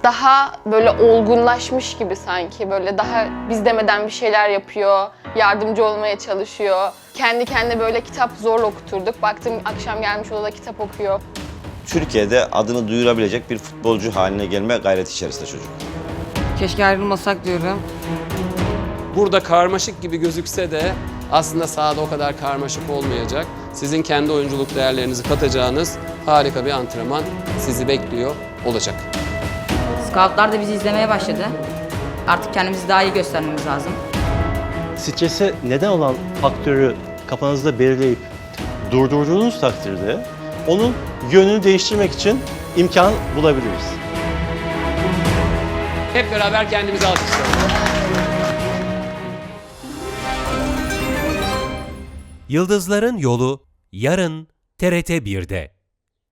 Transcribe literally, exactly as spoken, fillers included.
daha böyle olgunlaşmış gibi sanki. Böyle daha biz demeden bir şeyler yapıyor, yardımcı olmaya çalışıyor. Kendi kendine böyle kitap zorla okuturduk. Baktım akşam gelmiş odada kitap okuyor. Türkiye'de adını duyurabilecek bir futbolcu haline gelme gayreti içerisinde çocuk. Keşke ayrılmasak diyorum. Burada karmaşık gibi gözükse de aslında sahada o kadar karmaşık olmayacak. Sizin kendi oyunculuk değerlerinizi katacağınız harika bir antrenman sizi bekliyor olacak. Scoutlar da bizi izlemeye başladı. Artık kendimizi daha iyi göstermemiz lazım. Strese neden olan faktörü kafanızda belirleyip durdurduğunuz takdirde onun yönünü değiştirmek için imkan bulabiliriz. Hep beraber kendimizi alkışlayalım. Yıldızların Yolu yarın T R T bir'de.